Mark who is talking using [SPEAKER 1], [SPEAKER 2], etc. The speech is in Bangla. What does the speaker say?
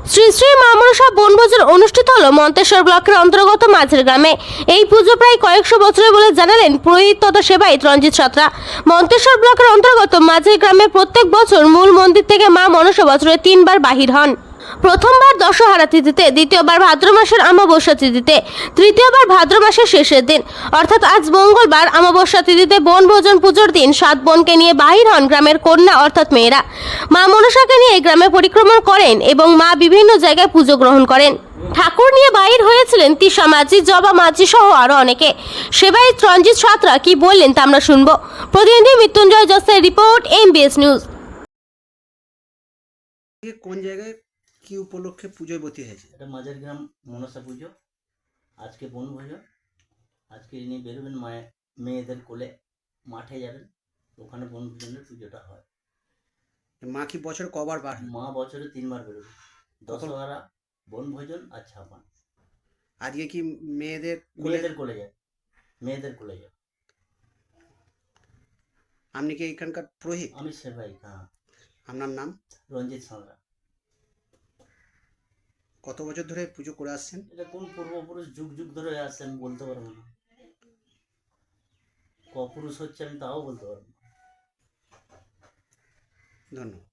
[SPEAKER 1] শ্রী শ্রী মা মনসা বনভোজন অনুষ্ঠিত হলো মন্তেশ্বর ব্লকের অন্তর্গত মাঝের গ্রামে। এই পুজো প্রায় কয়েকশো বছরের বলে জানালেন পুরোহিত তথা সেবায়িত রঞ্জিত সাঁতরা। মন্তেশ্বর ব্লকের অন্তর্গত মাঝের গ্রামে প্রত্যেক বছর মূল মন্দির থেকে মা মনসা বছরে 3 বার বাহির হন। প্রথমবার দশহারা তিথিতে, দ্বিতীয়বার ভাদ্র মাসের অমাবস্যা তিথিতে, তৃতীয়বার ভাদ্র মাসের শেষের দিন অর্থাৎ আজ মঙ্গলবার অমাবস্যা তিথিতে বনভোজন পুজোর দিন 7 বোনকে নিয়ে বাহির হন গ্রামের কন্যা অর্থাৎ মেয়েরা। মা মনসাকে নিয়ে গ্রামে পরিক্রমণ করেন এবং মা বিভিন্ন জায়গায় পুজো গ্রহণ করেন। ঠাকুর নিয়ে বাহির হয়েছিলেন তিশা মাঝি, জবা মাঝি সহ আরো অনেকে। সেবায়িত রঞ্জিত সাঁতরা কি বললেন তা আমরা শুনবো। প্রতিনিধি মৃত্যুঞ্জয় জসের রিপোর্ট, MBS নিউজ।
[SPEAKER 2] কোন জায়গায় কি উপলক্ষে পুজোয় বতী হয়েছে?
[SPEAKER 3] এটা মাঝের গ্রাম মনসা পুজো। আজকে বনভোজন। আজকে ইনি বেরোবেন মেয়েদের কোলে, মাঠে যাবেন, ওখানে বনভোজনের পুজোটা হয়।
[SPEAKER 2] মা কি বছর কবার বার?
[SPEAKER 3] মা বছরে 3 বার বেরোবে, দশহারা, বনভোজন আর ছাপান।
[SPEAKER 2] আজকে কি মেয়েদের
[SPEAKER 3] মেয়েদের কোলে যায়, মেয়েদের কোলে যায়।
[SPEAKER 2] আপনি কি এখানকার পুরোহিত?
[SPEAKER 3] আমি সেবাই। হ্যাঁ।
[SPEAKER 2] আপনার নাম?
[SPEAKER 3] রঞ্জিত সাঁতরা।
[SPEAKER 2] কত বছর ধরে পুজো করে আসছেন?
[SPEAKER 3] এটা কোন পূর্বপুরুষ যুগ যুগ ধরে আসছে আমি বলতে পারবো না। কপুরুষ হচ্ছে আমি তাও বলতে পারবো না।
[SPEAKER 2] ধন্যবাদ।